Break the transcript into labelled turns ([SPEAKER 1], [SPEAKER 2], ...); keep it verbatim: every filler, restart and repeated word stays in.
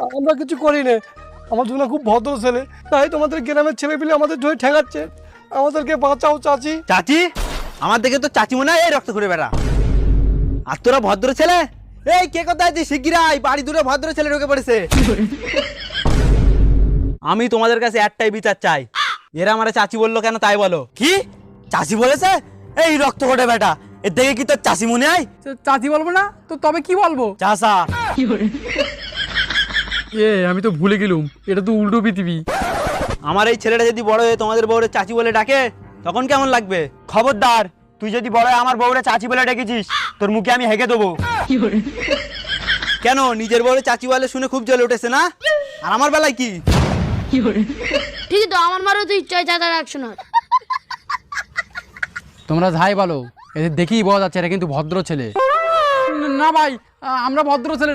[SPEAKER 1] আমরা কিছু করি না, আমার দুনা খুব ভদ্র ছেলে, তাই তোমাদের গ্রামের ছেলে পেলে আমাদের ধরে ঠেকাচ্ছে। আমাদেরকে বাঁচাও চাচি।
[SPEAKER 2] চাচি? আমার দেখে তো চাচি মনে হয় এই রক্ত করে বেড়া। আর তোরা ভদ্র ছেলে? এই কে কোথায় আছিস? শিগগিরাই বাড়ি দূরে ভদ্র ছেলে ঢুকে পড়েছে। আমি তোমাদের কাছে একটাই বিচার চাই, এরা আমার চাচি বললো কেন তাই বলো। কি চাচি বলেছে? এই রক্ত করে বেটা, এর দেখে কি তোর চাচি মনে হয়?
[SPEAKER 3] চাচি বলবো না তো তবে কি বলবো?
[SPEAKER 2] চাচা।
[SPEAKER 3] এ আমি তো ভুলে গেলুম, এটা তো উল্টো পৃথিবী।
[SPEAKER 2] আমার এই ছেলেটা যদি বড় হয়ে তোমাদের বউরে চাচি বলে ডাকে তখন কেমন লাগবে? খবরদার, তুই যদি বড় হয়ে আমার বউরে চাচি বলে ডেকেছিস তোর মুখে আমি হেগে দেবো। কেন নিজের বউরে চাচি বলে শুনে খুব জ্বলে উঠেছে না? আর আমার বেলায় কি?
[SPEAKER 4] ঠিকই তো, আমার মারও তো ইচ্ছা হয় চাচা ডাক শোনার।
[SPEAKER 3] তোমরা যাই বলো, এদের দেখেই বোঝা যাচ্ছে এরা কিন্তু ভদ্র ছেলে। না ভাই, আমরা ভদ্র ছেলে